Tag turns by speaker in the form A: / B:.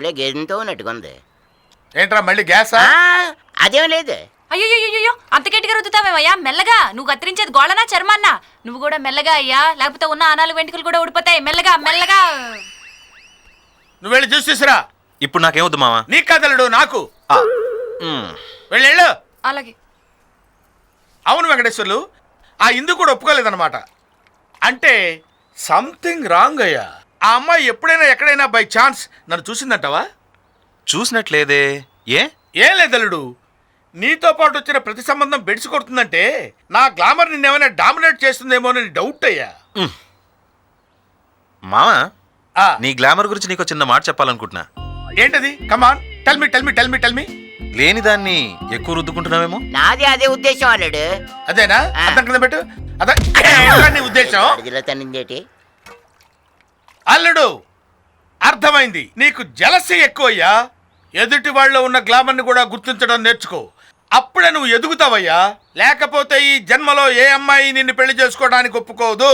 A: భలే గేదెంతో ఉన్నట్టుగా ఉంది.
B: ఏంట్రా మళ్ళీ గ్యాసా?
A: అదేం లేదు.
C: అయ్యో అంత గట్టిగా రుద్దుతావేమయ్యా? మెల్లగా. నువ్వు కత్తిరించేది గోళనా చర్మాన్నా? నువ్వు కూడా మెల్లగా అయ్యా, లేకపోతే ఉన్న ఆనాలు వెంట్రుకలు కూడా ఊడిపోతాయి. మెల్లగా మెల్లగా.
B: నువ్వు వెళ్ళి జ్యూస్ తీసురా.
D: ఇప్పుడు నాకేమొద్దు మావా.
B: నీ కదలడు నాకు. వెళ్ళు.
C: అలాగే.
B: అవును వెంకటేశ్వర్లు, ఆ ఇందు కూడా ఒప్పుకోలేదన్నమాట. అంటే సంథింగ్ రాంగ్ అయ్యా. ఆ అమ్మాయి ఎప్పుడైనా ఎక్కడైనా బై ఛాన్స్ నన్ను చూసిందంటావా?
D: చూసినట్లేదే.
B: ఏం లేదల్లుడు, నీతో పాటు వచ్చిన ప్రతి సంబంధం బెడిసి కొడుతుందంటే నా గ్లామర్ నిన్నేమైనా డామినేట్ చేస్తుందేమోనని డౌట్ అయ్యా.
D: మావా, నీ గ్లామర్ గురించి నీకు చిన్న మాట చెప్పాలనుకుంటున్నా.
B: ఏంటది? Come on tell me tell me tell me tell me.
D: లేని దాన్ని ఎక్కువ రుద్దుకుంటున్నావేమో.
A: నాది అదే ఉద్దేశం అల్లుడు.
B: అదేనా? అర్థం కింద పెట్టు. అదే నీ ఉద్దేశం.
A: అడిగిలో తనిందేటి
B: అల్లుడు, అర్థమైంది. నీకు జలసి ఎక్కువయ్యా. ఎదుటి వాళ్ళలో ఉన్న గ్లామర్ని కూడా గుర్తించడం నేర్చుకో. అప్పుడే నువ్వు ఎదుగుతావయ్యా. లేకపోతే ఈ జన్మలో ఏ అమ్మాయి నిన్ను పెళ్లి చేసుకోవడానికి ఒప్పుకోదు.